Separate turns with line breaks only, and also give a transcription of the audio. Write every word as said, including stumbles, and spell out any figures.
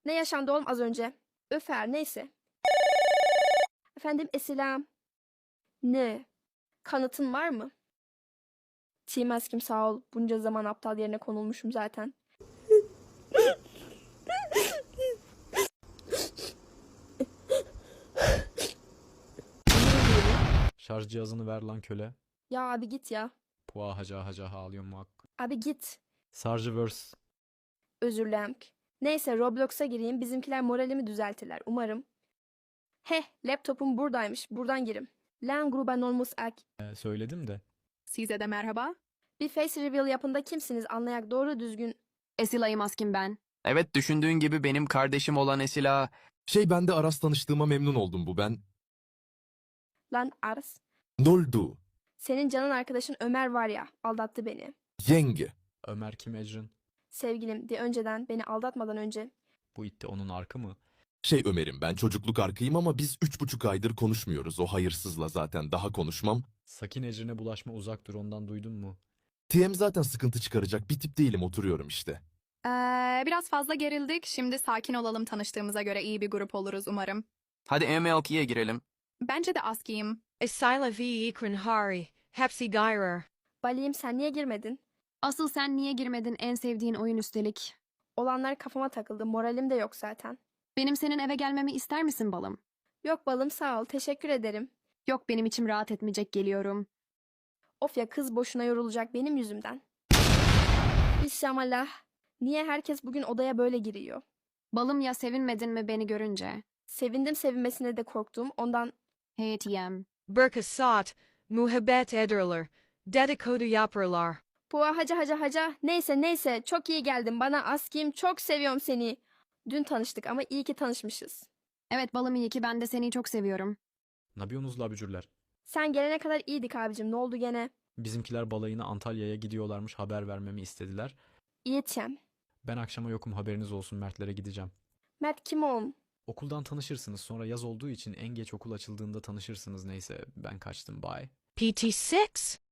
Ne yaşandı oğlum az önce? Öfer neyse. Efendim Esilam. Ne? Kanıtın var mı? Team Askim sağ ol. Bunca zaman aptal yerine konulmuşum zaten.
Şarj cihazını ver lan köle.
Ya abi git ya.
Pua haca haca ağlıyorum hak.
Abi git.
Sargeverse.
Özür dilerim. Neyse Roblox'a gireyim. Bizimkiler moralimi düzeltirler. Umarım. Heh laptopum buradaymış. Buradan girim. Lan gruba nolmus ak.
Ee, söyledim de.
Size de merhaba.
Bir face reveal yapında kimsiniz anlayak doğru düzgün.
Esilay'ım Askin ben.
Evet, düşündüğün gibi benim kardeşim olan Esila.
Şey ben de Aras tanıştığıma memnun oldum bu ben.
Lan Ars.
Noldu.
Senin canın arkadaşın Ömer var ya aldattı beni.
Yenge.
Ömer kim Ecrin?
Sevgilim de önceden beni aldatmadan önce.
Bu itti onun arkı mı?
Şey Ömer'im ben çocukluk arkayım ama biz üç buçuk aydır konuşmuyoruz. O hayırsızla zaten daha konuşmam.
Sakin Ecrin'e bulaşma uzak dur ondan duydun mu?
T M zaten sıkıntı çıkaracak bir tip değilim oturuyorum işte.
Ee, biraz fazla gerildik. Şimdi sakin olalım, tanıştığımıza göre iyi bir grup oluruz umarım.
Hadi M L ikiye girelim.
Bence de Aski'yim.
Isila v ikrin hari, hepsi gyrer.
Bali'yim sen niye girmedin?
Asıl sen niye girmedin en sevdiğin oyun üstelik?
Olanlar kafama takıldı. Moralim de yok zaten.
Benim senin eve gelmemi ister misin balım?
Yok balım sağ ol. Teşekkür ederim.
Yok benim içim rahat etmeyecek geliyorum.
Of ya kız boşuna yorulacak benim yüzümden. Bismillah. Niye herkes bugün odaya böyle giriyor?
Balım ya sevinmedin mi beni görünce?
Sevindim sevinmesine de korktum. Ondan
Hey T M.
Burka saat, muhabbet ederler, dedikodu yaparlar.
Pua haca haca haca. Neyse neyse çok iyi geldin bana Askim. Çok seviyorum seni. Dün tanıştık ama iyi ki tanışmışız.
Evet balım iyi ki ben de seni çok seviyorum.
Ne yapıyorsunuz la bücürler?
Sen gelene kadar iyiydik abicim. Ne oldu gene?
Bizimkiler balayına Antalya'ya gidiyorlarmış haber vermemi istediler.
İyitçem.
Ben akşama yokum haberiniz olsun Mertlere gideceğim.
Mert kim oğlum?
Okuldan tanışırsınız sonra yaz olduğu için en geç okul açıldığında tanışırsınız neyse ben kaçtım bye.
P T six?